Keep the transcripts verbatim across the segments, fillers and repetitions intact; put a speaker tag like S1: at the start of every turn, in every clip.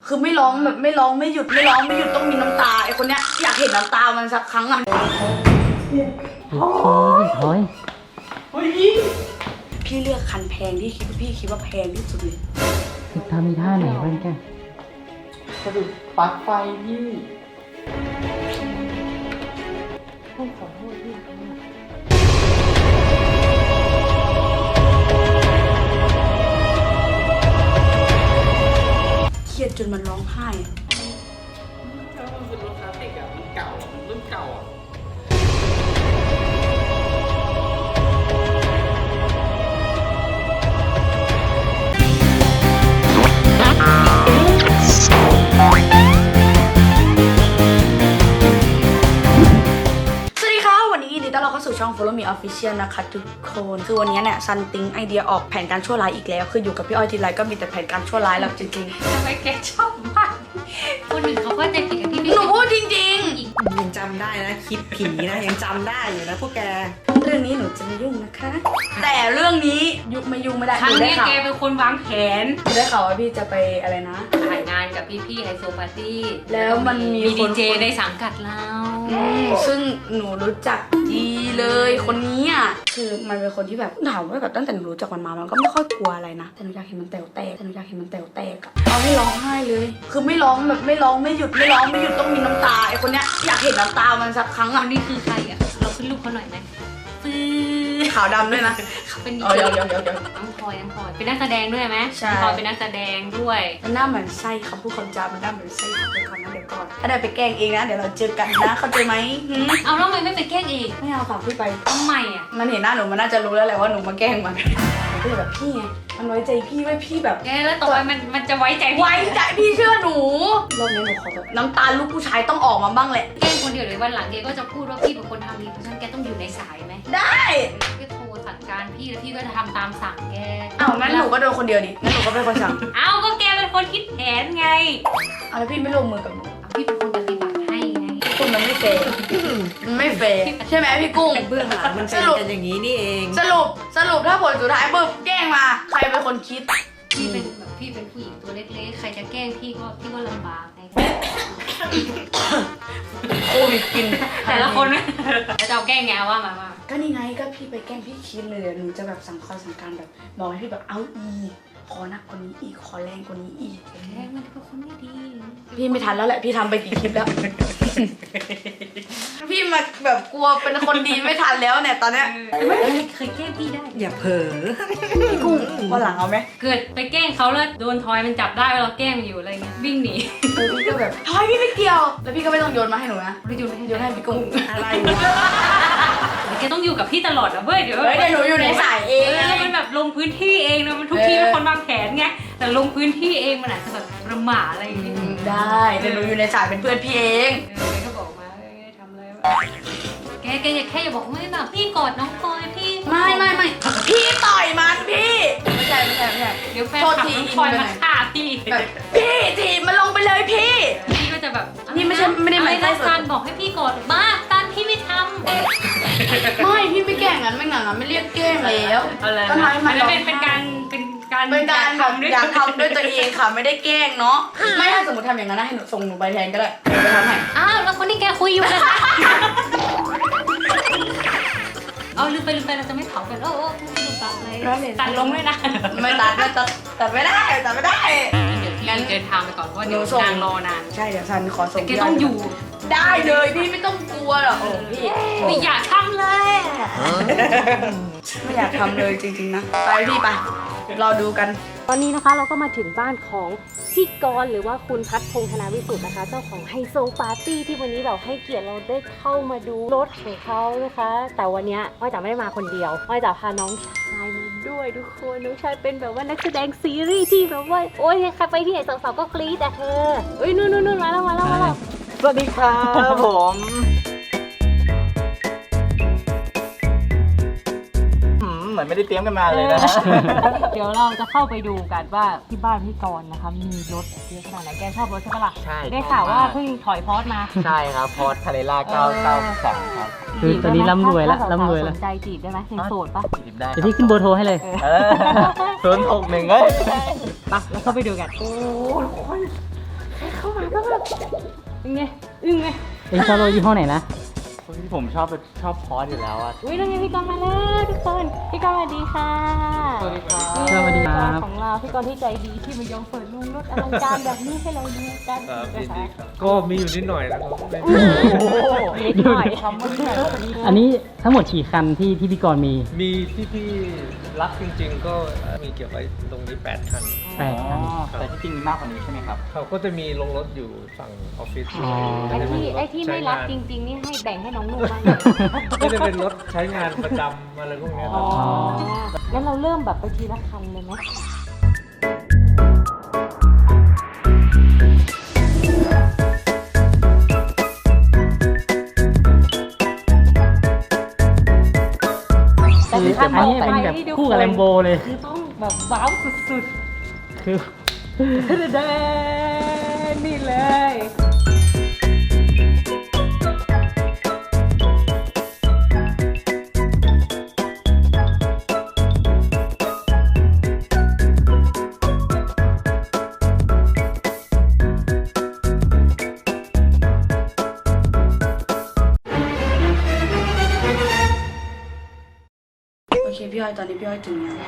S1: คือไม่ร้องแบบไม่ร้องไม่หยุดไม่ร้องไม่หยุดต้องมีน้ำตาไอคนเนี้ยอยากเห็นน้ำตามันสักครั้งอ่ะ
S2: โอ้ยถอย
S1: เฮ้ยพี่พี่เลือกคันแพงที่คิดว่าพี่คิดว่าแพงที่สุดเลย
S2: ทำมีท่าไหนบ้างแก
S3: สะดุดปลั๊กไฟพี่
S2: ต้องขอโทษพี่
S1: เครียดจนมันร้องไห้
S3: ถ้ามันเป็นรถคลาสสิกอะมันเก่ามันรุ่นเก่าอะ
S1: ช่อง Follow Me Official นะคะทุกคนคือวันนี้เนี่ยซันติงไอเดียออกแผนการชั่วร้ายอีกแล้วคืออยู่กับพี่อ้อยทีไรก็มีแต่แผนการชั่วร้ายแล้วจริง
S4: ๆทำไมแกชอบมากคนอื่นเขาก็ใจผิดกับพี่
S1: หนูพูดจริง
S3: ๆยังจำได้นะคลิปผีนะยังจำได้อยู่นะพวกแก
S1: เรื่องนี้หนูจะไม่ยุ่งนะคะแต่เรื่องนี้ยุไม่ยุ่งไม่ได้
S4: ครั้งนี้แกเป็นคนวางแผน
S1: ได้ข่าวว่าพี่จะไปอะไรนะ
S4: ถ่ายงานกับพี่ๆไฮโซปาร์ตี้
S1: แล้วมันมี
S4: ดีเจในสังกัดเรา
S1: ซึ่งหนูรู้จักดีเลยคนนี้อ่ะคือมันเป็นคนที่แบบถามว่าแบบตั้งแต่หนูรู้จักมันมามันก็ไม่ค่อยกลัวอะไรนะแต่หนูอยากเห็นมันแตวแตกแต่หนูอยากเห็นมันแตวแตกอะเอาให้ร้องไห้เลยคือไม่ร้องแบบไม่ร้องไม่หยุดไม่ร้องไม่หยุดต้องมีน้ำตาไอคนเนี้ยอยากเห็นน้ำตามันสักครั้งอ่ะ
S4: นี่คือใครอ่ะเราขึ้นรูปเขาหน่อยไหมฟื้
S1: ขาวดำด้วยนะ
S4: เขาเป็น
S1: ดีเจน้อง
S4: พลอยน้องพลอยเป็นนักแสดงด้วยไหมใช่พลอยเป็นนักแสดงด้วย
S1: มันหน้าเหมือนไส้คำพูดคำจามันหน้าเหมือนไส้ไปก่อนนะเดี๋ยวก่อนถ้าได้ไปแกล้งเองนะเดี๋ยวเราเจอกันนะเข้าใจไหม
S4: เอาแล้วทำไมไม่ไปแกล้งเอง
S1: ไม่เอาฝากพี่ไป
S4: ทำไมอ่ะ
S1: มันเห็นหน้าหนูมันน่าจะรู้แล้วแหละว่าหนูมาแกล้งมันก็เลยแบบพี่ไงมันไว้ใจพี่ไว้พี่แบบ
S4: แกแล้วต่อไปมันมันจะไว้ใจ
S1: ไว้ใจพี่เชื่อหนูรอบนี้หนูขอแบบน้ำตาลูกผู้ชายต้องออกมาบ้างแหละ
S4: แกล้งคนเดียวเลยวันหลังแกก็จะพูดว่าพี่เป็นคนทำดีเพราะฉะนั้นแกต้องอยู่ในสายไหม
S1: ได้
S4: แกโทรสั่งการพี่แล้วพี่ก็จะทำตามสั่งแก
S1: อ้าวงั้นหนูก็โดนคนเดียวดิงั้นหนูก็เป็นคนสั่ง
S4: อ้าวก็แกเป็นคนคิดแผนไง
S1: อ้าวแล้วพี่ไม่ร่วมมือกับหนู
S4: พี่เป็นคนปฏิบัติให้ไง
S1: คุณมันไม่เฟร์มันไม่เฟร์ใช่ไหมพี่กุ้ง
S3: เบื้องหลังมันเป็นกันอย่างนี้นี่เอง
S1: สรุปสรุปถ้าผลสุดท้ายปุ๊บแกล้งมาใครเป็นคนคิด
S4: พี่เป็นแบบพี่เป็นผู้หญิงตัวเล็กๆใครจะแกล้งพี่ก็พี่ก็ลำบากไง
S1: โควิดกิน
S4: แต่ละคนนะจะเอาแกล้งไงว่ามาว่า
S1: ก็นี่ไงก็พี่ไปแกล้งพี่คิดเลยหนูจะแบบสั่งคอยสั่งการแบบบอกให้พี่แบบเอาอีขอหนักกว่านี้อีกขอแรงกว่านี้อีก
S4: แรงมันเป็นคนไม่ดี
S1: พี่ไม่ทันแล้วแหละพี่ทำไปกี่คลิปแล้วพี่มาแบบกลัวเป็นคนดีไม่ทันแล้วเนี่ยตอนเนี้ย
S4: ไม่เคยแกล้งพี่ได้
S3: อย่าเผลอ
S1: พี่กุ้งวันหลังเอาไหม
S4: เกิดไปแกล้งเขาแล้วโดนทอยมันจับได้ว่าเราแกล้งอยู่อะไรเงี้ยวิ่งหนี
S1: พี่ก็แบบทอยพี่ไม่เกี่ยวแล้วพี่ก็ไม่ต้องโยนมาให้หนูนะ
S4: ไม่โยนให้
S1: โยนให้พี่กุ้ง
S3: อะไรวะ
S4: แกต้องอยู่กับพี่ตลอดนะเว้ยเดี๋ยว
S1: เดี๋ยวหนูอยู่ในสายเอง
S4: แล้วมันแบบลงพื้นที่เองนะมันทุกที่เป็นคนวางแผนไงแต่ลงพื้นที่เองมันอาจจะแบบประมาทอะไรอย่างงี้
S1: ได้เดี๋ยวหนูอยู่ในสายเป็นเพื่อนพี่เอง
S4: เออก็บอกมาทำอะไรวะแกแกอย่าแค่อย่าบอกไม่แบบพี่กอดน้องพลอยพี่
S1: ไม่ไม่ไม่พี่ต่อยมันพี่ไม่ใช่ไม่ใช่ไม่ใช่
S4: เดี๋ยวแฟนคลับน้องพลอยมาฆ่าพี่
S1: แบบพี่ถีบมันลงไปเลยพี่
S4: พี่ก็จะแบบ
S1: นี่ไม่ใช่ไม่ได้หมายถึง
S4: ซันบอกให้พี่กอดบ้าซันพี่ไม่ทำ
S1: ไม่พี่ไม่แกล้งงั้นไม่หนังงั้นไม่เรียกแกล้งแล้ว
S4: ก็ทำมันเป็นเป็นการเป็นการ
S1: เป็นการแบบอยากทำด้วยตัวเองค่ะไม่ได้แกล้งเนาะไม่ถ้าสมมติทำอย่างนั้นนะให้หนูส่งหนูไปแทนก็ได้หนูไปทำให้
S4: อ้าวแล้วคนที่แกคุยอยู่เลยคะเอาลืมไปลืมไปเราจะไม่เผากันโอ้โหลืมตัดเลยตัดลงด้วยนะ
S1: ไม่ตัดไม่ตัดตัดไม่ได้ตัดไม่ได้
S4: งั้นเดินทางไปก่อนเพราะเดี๋ยวนางรอนาน
S1: ใช่เดี๋ยวซันขอส่ง
S4: แกต้องอยู่
S1: ได้เลยพี่ไม่ต้องกลัวหรอกพี่
S4: ไม่อยากทำเลย
S1: ไม่อยากทำเลยจริงๆนะไปพี่ไปรอดูกัน
S2: ตอนนี้นะคะเราก็มาถึงบ้านของพี่กรณ์หรือว่าคุณพัฒพงษ์ธนาวิสุทธ์นะคะเจ้าของไฮโซปาร์ตี้ที่วันนี้เราให้เกียรติเราได้เข้ามาดูรถของเขานะคะแต่วันนี้อ้อยจ๋าไม่ได้มาคนเดียวอ้อยจ๋าพาน้องชายมาด้วยทุกคนน้องชายเป็นแบบว่านักแสดงซีรีส์ที่แบบว่าโอ๊ยใครไปที่ไหนสาวๆก็กรี๊ดอะเธอเอ้ยนู่นนู่นมาแล้วมาแล้วมาแล้ว
S3: สวัสดีครับผมเหมือนไม่ได้เตรียมกันมาเลยนะ
S2: เดี๋ยวเราจะเข้าไปดูกันว่าที่บ้านพี่กรณ์นะคะมีรถเยอะขนาดไหนแกชอบรถใช่ปะล่ะ
S3: ใช่
S2: ได้ข่าวว่าเพิ่งถอยพอร์ตมา
S3: ใช่ครับพอร์ตคาเรล่าเก้าเก้าสองครับ
S2: คือตอนนี้ร่ำรวยแล้วร่ำรวยแล้วสนใจจีบได้ไหมยังโสดปะ
S3: จีบได้
S2: เดี๋ยวพี่ขึ้นเบอร์โทรให้เลย
S3: ศูนย์หกหนึ่งเอ้ย
S2: ไปแล้วเข้าไปดูกันโอ้เป็นไงอึ้งไหม
S5: เอ็งชอบรถยี่ห้อไหนนะ
S3: ผมชอบชอบพอร์ตอยู่แล้วอ่ะ
S2: อุ้ยนั่นไงพี่กรณ์มาแล้วทุกคนพี่กรณ์สวัสดีค่ะ
S3: สวัสดีครับ
S5: สวัสดีครับ
S2: ของเราพี่กรณ์ที่ใจดีที่มายอมเปิดโรงรถอลังการแบบนี้ให้เราดูกัน
S6: ครับยิน
S2: นะ
S6: ดี
S2: คะ
S6: ครับก็มีอยู่นิดหน่อยนะครับไม่
S2: โอ้นิดหน่อย
S5: อันนี้ทั้งหมดกี่คันที่ที่พี่กรณ์มี
S6: มีที่พี่รักจริงๆ ก็มีเก็บไว้ตรงนี้แปดคัน
S5: แปดคัน
S3: แต่ที่จริงมีมากกว่านี้ใช่ไหมครับ
S6: เขาก็จะมีลงรถอยู่ฝั่งออฟฟิศ
S5: อ๋อ
S2: ไอ้ที่ไอ้ที่ไม่รักจ
S6: ใช้งาน
S2: ริงๆนี่ให้แบ่งให้น้องนุ่มบ้างเลย
S6: ก็จะเป็นรถใช้งานประจำอะไรพวกเนี้ยค
S2: อ๋
S6: รั
S2: อบ งั้นเราเริ่มแบบไปทีละคันเลยไหมแต่
S5: คือ
S2: คัน
S5: อัน
S2: ต่อ
S5: นี้
S2: ไป
S5: เป็นแบบ
S2: นี่ทุ
S5: คู่กับแลมโบเลย
S2: คือต้องแบบว้าวสุด
S5: คือ
S2: ๆเดนนี่เลย
S1: โอเคพี่อ้อยตอนนี้พี่อ้อยถึงแล้ว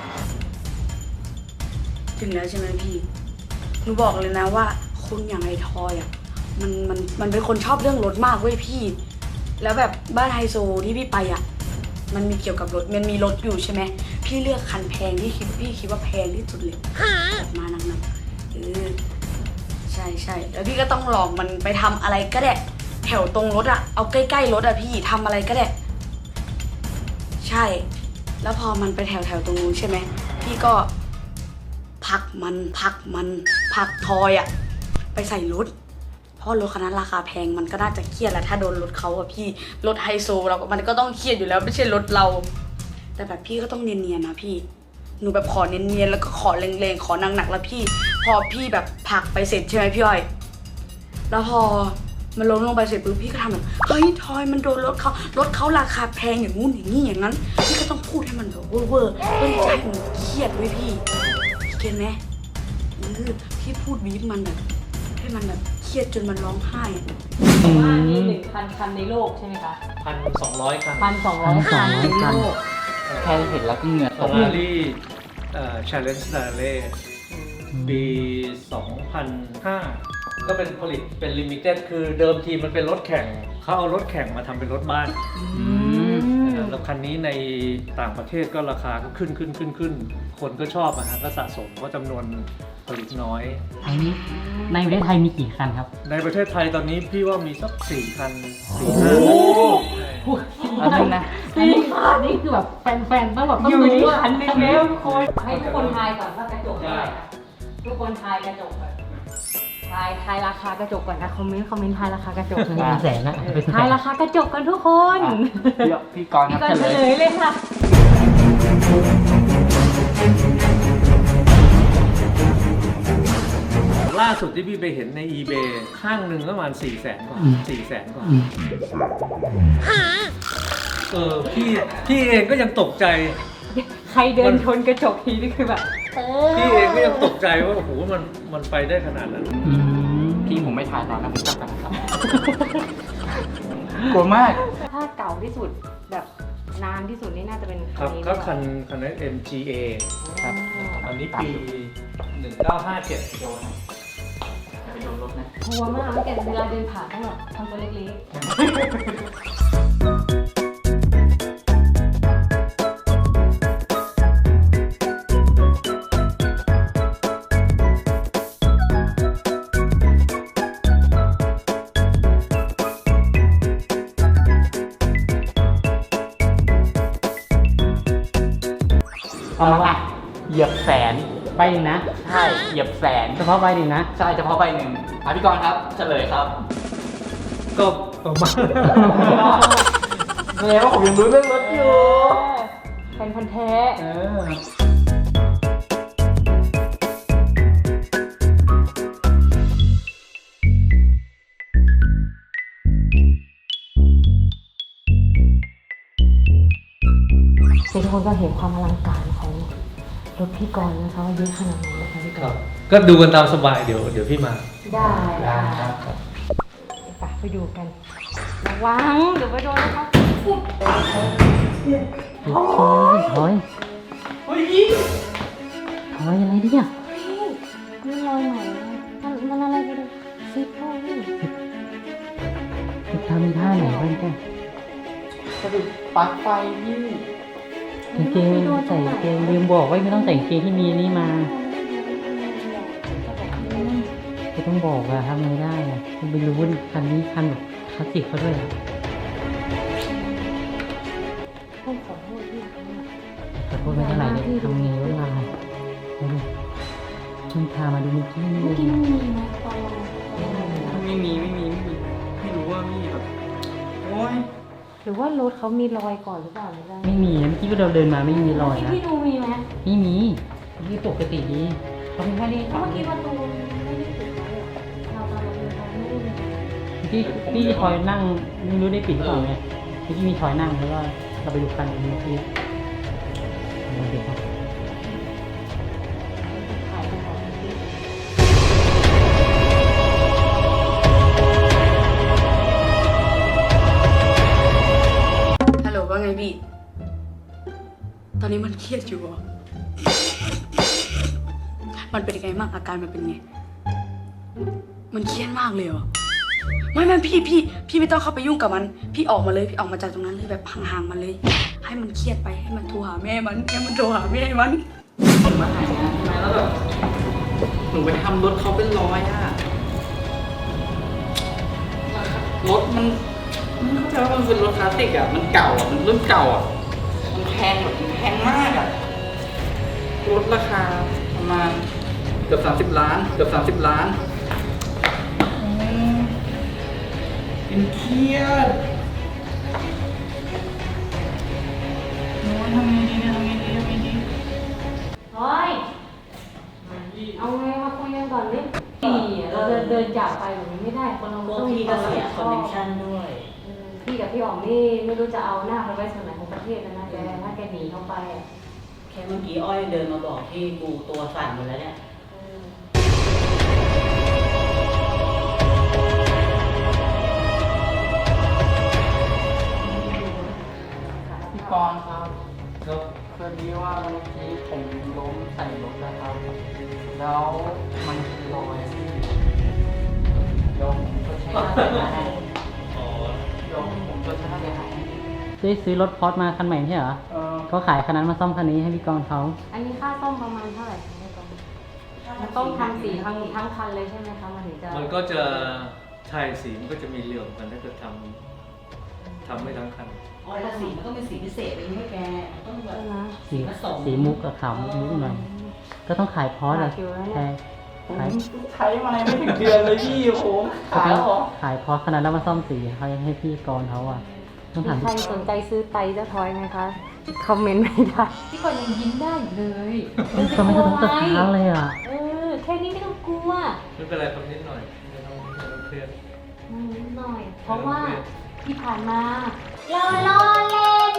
S1: ถึงแล้วใช่ไหมพี่หนูบอกเลยนะว่าคุณอย่างไอทอยอ่ะมันมันมันเป็นคนชอบเรื่องรถมากเว้ยพี่ แล้วแบบบ้านไฮโซที่พี่ไปอ่ะมันมีเกี่ยวกับรถมันมีรถอยู่ใช่ไหมพี่เลือกคันแพงที่คิดพี่คิดว่าแพงที่สุดเลยออกมาหนักๆเออใช่ใช่แล้วพี่ก็ต้องลองมันไปทำอะไรก็ได้แถวตรงรถอ่ะเอาใกล้ๆรถอ่ะพี่ทำอะไรก็ได้ใช่ แล้วพอมันไปแถวแถวๆตรงนู้นใช่ไหมพี่ก็พักมันพักมันพักทอยอะไปใส่รถเพราะรถคันนั้นราคาแพงมันก็น่าจะเครียดแหละถ้าโดนรถเขาอะพี่รถไฮโซเราก็มันก็ต้องเครียดอยู่แล้วไม่ใช่รถเรา แต่แบบพี่ก็ต้องเนียนๆนะพี่หนูแบบขอเนียนๆแล้วก็ขอแรงๆขอหนักๆแล้วพี่ พอพี่แบบผลักไปเสร็จใช่ไหมพี่อ้อยแล้วพอมันล้มลงไปเสร็จปุ๊บพี่ก็ทำแบบเฮ้ยทอยมันโดนรถเขารถเขาราคาแพงอย่างงู้นอย่างนี้อย่างนั้นพี่ก็ต้องพูดให้มันแบบเวอร์ๆเพื่อที่จะให้มันเครียดไว้ยพี่พี่เก็ตไหมเออพี่พูดวีฟมันแบบให้มันแบบเครียดจนมันร้องไห้อะ
S2: ว่ามีหนึ่งพันคันในโลกใช่ไหมคะ
S6: พันสองร้อยคัน
S2: พันสองร้อยคันในโลก
S3: แค่เห็นแล้วก็เหงื่อ
S6: ฟ
S3: ต
S6: อก ร์รารี่เอ่อ Challenge Rally ปี สองพันห้า ก็เป็นผลิตเป็นลิมิเต็ดคือเดิมทีมันเป็นรถแข่งเขาเอารถแข่งมาทำเป็นรถบ้านนะครับแล้วคันนี้ในต่างประเทศก็ราคาก็ขึ้นขึ้นขึ้นขึ้นคนก็ชอบอะฮะก็สะสมเพราะจำนวนผลิตน้อย
S5: อันนี้ในประเทศไทยมีกี่คันครับ
S6: ในประเทศไทยตอนนี้พี่ว่ามีสักสี่คันสี่ห้าคัน
S5: อันนึงนะ
S2: นี่ค่ะนี่คือแบบแฟนๆต้องแบบต้องดูคันหนึงแล้วทุกคนให้ทุกคนทายก่อนว่ากระจกเท่าไหร่คะทุกคนทายกระจกก่อนทายทายราคากระจกก่อนนะคอมเมนต์คอมเมนต์ทายราคากระจก
S5: เป็นแสนนะเป็นแสน
S2: ทายราคากระจกกันทุกคน
S3: พี่พี่กรณ์ค
S2: พี่
S3: รับ
S2: ก่อน
S3: เฉ
S2: เฉ
S3: ล
S2: ล
S3: ย
S2: ยเลยค่ะ
S6: ล่าสุดที่พี่ไปเห็นใน eBay ข้างหนึ่งประมาณสี่แสนกว่าสี่แสนกว่า
S5: อืม
S6: เออพี่พี่เองก็ยังตกใจ
S2: ใครเดินชนกระจกทีนี่คือแบบเออ
S6: พี่เองก็ยังตกใจว่าโอ้โหมันมันไปได้ขนาดนั้น
S5: อืม
S3: พี่ผมไม่ถ่ายตอนนั้นผมจับกันครับกลัวมาก
S2: ถ้าเก่าที่สุดแบบนานที่สุดนี่น่าจะเป็น
S6: ครับ
S2: นี้
S6: ก็คันคันนั้น เอ็ม จี เอ
S3: ครับ
S6: อันนี้ปีหนึ่งเก้าห้าเจ็ด
S3: โดนนะอย่าไปโดนรถนะ
S2: กลัวมากแล้วแกเวลาเดินผ่านต้องแบบทำตัวเล็ก
S5: เอาละ
S3: เหยียบแสน
S5: ใบหนึ่งนะ
S3: ใช่เหยียบแสน
S5: เฉพาะใบหนึ่งนะ
S3: ใช่เฉพาะใบหนึ่งอ่ะพี่กรณ์ครับเฉลยครับ
S6: ก็ประมาณ
S3: แสดงว่าผมยังรู้เรื่องรถ
S2: ๆ
S3: อยู่
S2: เป็นพันธุ์แท้
S3: เออ
S2: ทุกคนก็เห็นความอลังการของรถพี่กรณ์นะคะว่าเยอะขนาดไหนนะคะพี่ก
S6: ครั
S2: ร
S6: บ
S2: ณ์
S6: ก็ดูกันตามสบายเดี๋ยวเดี๋ยวพี่มา
S2: ได้
S3: ได้
S2: ค่ะ
S3: ครับ
S2: ไปดูกันระวังเดี๋ยวไปโดนเขาปุ๊บ
S5: โอ้ยถอย
S3: เฮ้ยพี่
S5: ถอยอะไรเนี่ย
S2: นี่รอยใหม่นะมันมันอะไรไปดูซิปโป้นี่
S5: ทำท่าไหนบ้างแก
S3: สะดุดปลั๊กไฟพี่
S5: กางเกงใส่กางเกงลืมบอกว่าไม่ต้องใส่กางเกงที่มีนี่มาก็ต้องบอกอะทำไงได้อะคุณไปรู้ว่าคันนี้คันแบบคลาสสิกเขาด้วยอะ
S2: ต้องขอโทษพี่เขาอะ
S5: ขอโทษไม่เท่าไหร่เลยทำไงวะเราเอาดูเพิ่งพามาดูเมื่อกี้นี่
S2: เมื่อ
S5: เอ
S2: กี้
S5: ง
S2: มันมีไหมตอนเรา
S3: ไม่มีไม่มีไม่มีไม่รู้ว่าพี่แบบโอ้ย
S2: หรือว่ารถเขามีรอยก่อนหรือเปล่าไม่ได้
S5: ไม่มีนะเมื่อกี้เราเดินมาไม่มีรอยนะ
S2: พี่ดูมีไหม
S5: ไม่มีนี่ปกติดีเขาไม่ได้
S2: เมื่อกี้ประตูไม่ได้ปิดไว้อะเราตอนเราเดินไปไม่ได้มี
S5: พี่พี่คอยนั่งไม่รู้ได้ปิดหรือเปล่าไงเมื่อกี้มีคอยนั่งเพราะว่าเราไปดูคันเมื่อกี้เราเดี๋ยวครับ
S2: ถ่ายไปก่อนพี่
S1: ฮัลโหลว่าไงพี่ตอนนี้มันเครียดอยู่เหรอมันเป็นยังไงบ้างอาการมันเป็นไงมันเครียดมากเลยเหรอไม่ไม่พี่พี่พี่ไม่ต้องเข้าไปยุ่งกับมันพี่ออกมาเลยพี่ออกมาจากตรงนั้นเลยแบบห่างๆมันเลย ให้มันเครียดไปให้มันโทรหาแม่มันให้มันโทรหาแม่มัน
S3: ผมมาถ่ายงานใช่ไหมแล้วแบบหนูไปทำรถเขาเป็นร้อยอะรถมันไม่เข้าใจว่ามันเป็นรถคลาสสิกอะมันเก่าอะมันรุ่นเก่าอะมันแพงแบบมันแพงมากอะรถราคาประมาณเกือบสามสิบล้านเกือบสามสิบล้านอืมเป็นเครียดโอ้ยทำไงดีเนี่ยทำไงดีทำไงดี
S2: เฮ้ยเอาไงมาคุยกันก่อนดิพี่เราเดินเดินจากไปแบบนี้ไม่ได้คนเรา
S7: พวก
S2: ต้อง
S7: พี่ก็เสียคอนเนคชั่น
S2: น
S7: ด้วย
S2: พี่กับพี่อ๋อมนี่ไม่รู้จะเอาหน้าไปไว้ส่วนไหนของประเทศแล้วนะแกถ้าแกหนีเข้าไปอ่ะ
S7: แค่เมื่อกี้อ้อยเดินมาบอกที่กูตัวสั่นหมดแล้วเนี่ย
S3: พี่กรณ์ครับก็พอดีว่าเมื่อกี้ผมล้มใส่รถนะครับ แล้วมันคือรอยเดี๋ยวผมก็ใช้ค่าเสียหายเดี๋ยวผมก็ใช้ค่าเสียหาย
S5: ได้ซื้อรถพอร์ตมาคันใหม่ไม่ใช่เหรอ
S3: เออ
S5: เขาขายคันนั้นมาซ่อมคันนี้ให้พี่กรณ์เขา
S2: อันนี้ค่าซ่อมประมาณเท่าไหร่คะแม่กองมันต้องทำสีทั้งทั้งคันเลยใช่ไหมคะมันถึงจะ
S6: มันก็จะใช่สีมันก็จะมีเหลื่อมกันถ้าเกิดทำทำไม่ทั้งคัน
S7: อ้อยแล้วสีมันก็เป็นสีพิเศษเป็นไม่แกต้องแบบ
S2: ใช่ไหม
S5: สี
S7: ผสม
S5: สีมุกกับขาวมุกนิดหน่อยก็ต้องขายพอร์ตอะ
S2: ขายคิวแล้วเนี่ย
S5: ใช่
S3: ผม
S5: ขาย
S3: ใช้มาไม่ถึงเดือนเลยพี่ผม
S5: ก็
S3: ขาย
S5: ต้อ
S3: แล้
S5: ง
S3: วเหรอ
S5: ขายพอร์ตขนาดแล้วมาซ่อมสีให้ให้พี่กรณ์เขาอะต้องถาม
S2: มีใครสนใจซื้อไตเจ้าทอยไหมคะ คอมเมนต์ไม่ได้ พี่ก่อนยังยิ้มได้อยู่เลย
S5: ก็ไม่ต้องตะท้าเลยอะ
S2: เออ แค่นี้ไม่ต้องกลัว
S6: ไม่เป็นไรครับนิดหน่อยไม่ต้องไม่ต้องเครียด
S2: อืมนิดหน่อย เพราะว่าที่ผ่านมาเราล้อเล่น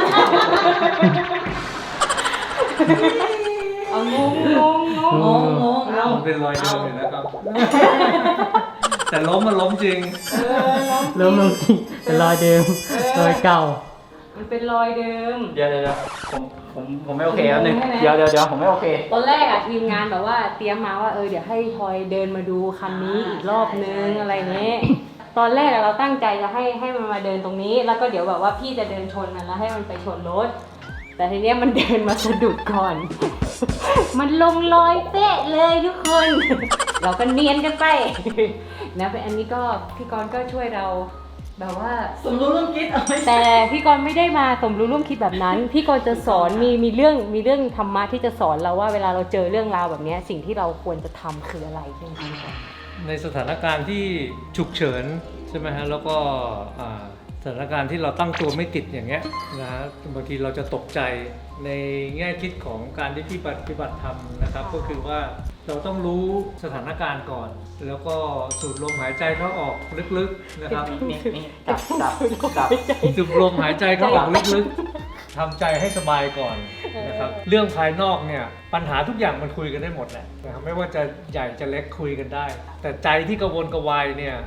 S2: เอางงงงงง
S7: งงงเอา
S6: มันเป็นรอยเดิมอยู่แล้วครับ แต่ล้มมันล้มจริง
S5: เริ่มลงจริงเป็นรอยเดิมรอยเก่า
S2: มันเป็นรอยเดิม
S3: เดี๋ยวเดี๋ยวเดี๋ยวผมผมผมไม่โอเคครับหนึ่ง
S2: ใช่ไหม
S3: เดี๋ยวเดี๋ยวเดี๋ยวผมไม่โอเค
S2: ตอนแรกอะทีมงานแบบว่าเตรียมมาว่าเออเดี๋ยวให้ทอยเดินมาดูคันนี้อีกรอบนึงอะไรเงี้ย ตอนแรกอะเราตั้งใจจะให้ให้มันมาเดินตรงนี้ แล้วก็เดี๋ยวแบบว่าพี่จะเดินชนมันแล้วให้มันไปชนรถ แต่ทีเนี้ยมันเดินมาสะดุดก่อน มันลงรอยเป๊ะเลยทุกคน เราก็เนียนกันไป นะเป็นอันนี้ก็พี่กรณ์ก็ช่วยเราแบบว่า
S7: สมรู้ร่วมคิดเอาไว้
S2: แต่พี่กรณ์ไม่ได้มาสมรู้ร่วมคิดแบบนั้น พี่กรณ์จะสอนมีมีเรื่องมีเรื่องธรรมะที่จะสอนเราว่าเวลาเราเจอเรื่องราวแบบเนี้ยสิ่งที่เราควรจะทำคืออะไรใช่ไหมคะ
S6: ในสถานการณ์ที่ฉุกเฉินใช่ไหมฮะแล้วก็อ่าสถานการณ์ที่เราตั้งตัวไม่ติดอย่างเงี้ยนะฮะบางทีเราจะตกใจในแง่คิดของการที่พี่ปฏิบัติธรรมนะครับ ก็คือว่าเราต้องรู้สถานการณ์ก่อน แล้วก็สูดลมหายใจเข้าออกลึกๆนะครับ
S3: นี่นี่จับจับจับ
S6: สูดลมหายใจเข้าออกลึกๆทำใจให้สบายก่อนนะครับเรื่องภายนอกเนี่ยปัญหาทุกอย่างมันคุยกันได้หมดแหละนะครับไม่ว่าจะใหญ่จะเล็กคุยกันได้ แต่ใจที่กระวนกระวายเนี่ย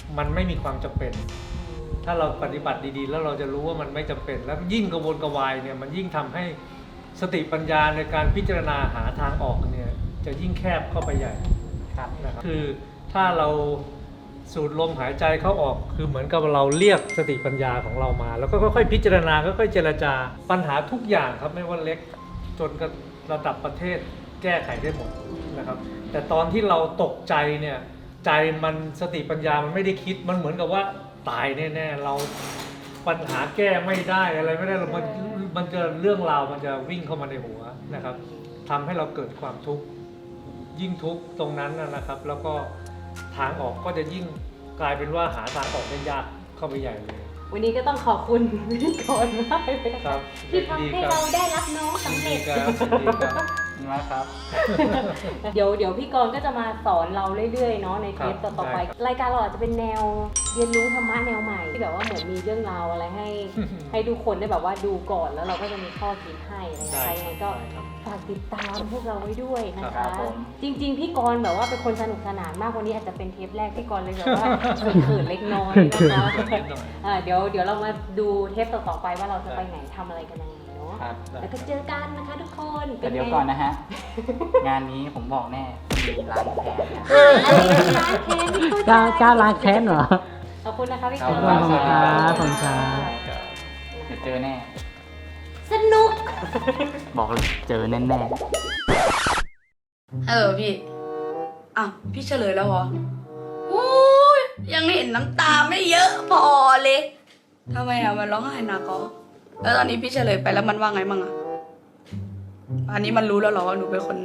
S6: มันไม่มีความจำเป็น ถ้าเราปฏิบัติดีๆ แล้วเราจะรู้ว่ามันไม่จำเป็น แล้วยิ่งกระวนกระวายเนี่ยมันยิ่งทำให้สติปัญญาในการพิจารณาหาทางออกเนี่ยจะยิ่งแคบเข้าไปใหญ่ครับนะครับคือถ้าเราสูดลมหายใจเข้าออกคือเหมือนกับเราเรียกสติปัญญาของเรามา แล้วก็ค่อยๆพิจารณาค่อยๆเจรจาปัญหาทุกอย่างครับไม่ว่าเล็กจนกับระดับประเทศแก้ไขได้หมดนะครับแต่ตอนที่เราตกใจเนี่ยใจมันสติปัญญามันไม่ได้คิดมันเหมือนกับว่าตายแน่ๆเราปัญหาแก้ไม่ได้อะไรไม่ได้มันมันจะเรื่องราวมันจะวิ่งเข้ามาในหัวนะครับทำให้เราเกิดความทุกข์ยิ่งทุกข์ตรงนั้นนะครับแล้วก็ทางออกก็จะยิ่งกลายเป็นว่าหาทางออกได้ยากเข้าไปใหญ่เลย
S2: วันนี้ก็ต้องขอบคุณพิธีกรมากเลยนะ
S6: ครั
S2: คะ
S6: บ
S2: ที่ทำให้เราได้รับน้องสำ
S6: ดี
S2: เร็จ
S6: ครับดีครับ
S3: มาครับ
S2: เดี๋ยวเดี๋ยวพี่กรณ์ก็จะมาสอนเราเรื่อยๆเนาะในเทป
S6: ครับ
S2: ต่อๆไป
S6: ได้ครับ
S2: รายการเราอาจจะเป็นแนวเรียนรู้ธรรมะแนวใหม่ที่แบบว่าเหมือนมีเรื่องราวอะไรให้ ให้ทุกคนได้แบบว่าดูก่อนแล้วเราก็จะมีข้อคิดให้นะคะยังไงก็ฝากติดตามพวกเราไว้ด้วยนะ
S3: ครั
S2: คะ
S3: บผม
S2: จริง ๆ พี่กรณ์แบบว่าเป็นคนสนุกสนานมากวันนี้อาจจะเป็นเทปแรกพี่กรณ์เลยแบบว่า เขินๆเล็กน้อยนะคะ
S6: นิดหน่อย
S2: อ่าเดี๋ยวเดี๋ยวเรามาดูเทปต่อๆไปว่าเราจะไปไหนทำอะไรกันยังไงเนาะ
S3: ครับ
S2: แล้วก็เจอกันนะคะทุกคน
S3: แต่เดี๋ยวก่อนนะฮะ งานนี้ผมบอกแน่มีล้างแค้นนะ
S2: ร้านเทนที่เข้
S5: กล้ากล้าล้างแค้นเหรอ
S2: ขอบคุณนะคะพี่
S3: ขอบ
S2: กร
S3: คุณ
S2: ณ์
S3: ครับ
S5: ขอบคุณครับ
S3: เดี๋ยวเจอแน่
S2: สนุก
S3: บอกเลยเจอแน่ๆ
S1: เออพี่อ่ะพี่เฉลยแล้วเหรอโอ้ยยังเห็นน้ำตาไม่เยอะพอเลยทำไมอ่ะมันร้องไห้หนักก็แล้วตอนนี้พี่เฉลยไปแล้วมันว่าไงมั่งอ่ะอันนี้มันรู้แล้วเหรอว่าหนูเป็นคน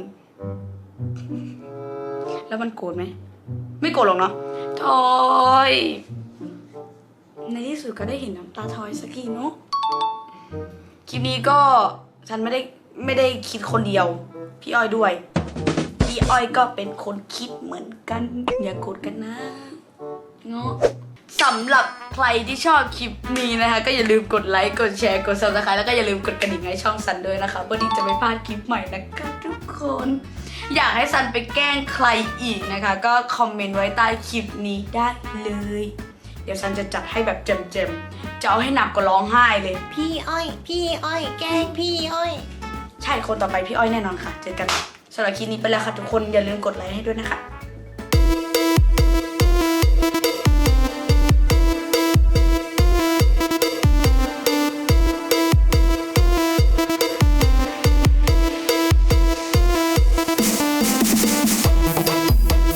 S1: แล้วมันโกรธไหมไม่โกรธหรอกเนาะทอยในที่สุดก็ได้เห็นน้ำตาทอยสักทีเนาะคลิปนี้ก็ฉันไม่ได้ไม่ได้คิดคนเดียวพี่อ้อยด้วยพี่อ้อยก็เป็นคนคิดเหมือนกันอย่าโกรธกันนะเนาะสำหรับใครที่ชอบคลิปนี้นะคะ ก็อย่าลืมกดไลค์กดแชร์กด ซับสไครบ์ แล้วก็อย่าลืมกดกระดิ่งให้ช่องซันด้วยนะคะเพื่อที่จะไม่พลาดคลิปใหม่นะคะทุกคน อยากให้ซันไปแกล้งใครอีกนะคะ ก็คอมเมนต์ไว้ใต้คลิปนี้ได้เลย เดี๋ยวซันจะจัดให้แบบเจ็มๆจะเอาให้หนักกว่าร้องไห้เลย
S8: พี่อ้อย พี่อ้อย แกล้งพี่อ้อย
S1: ใช่คนต่อไปพี่อ้อยแน่นอนค่ะ เจอกันสำหรับคลิปนี้ไปแล้วค่ะทุกคนอย่าลืมกดไลค์ให้ด้วยนะคะ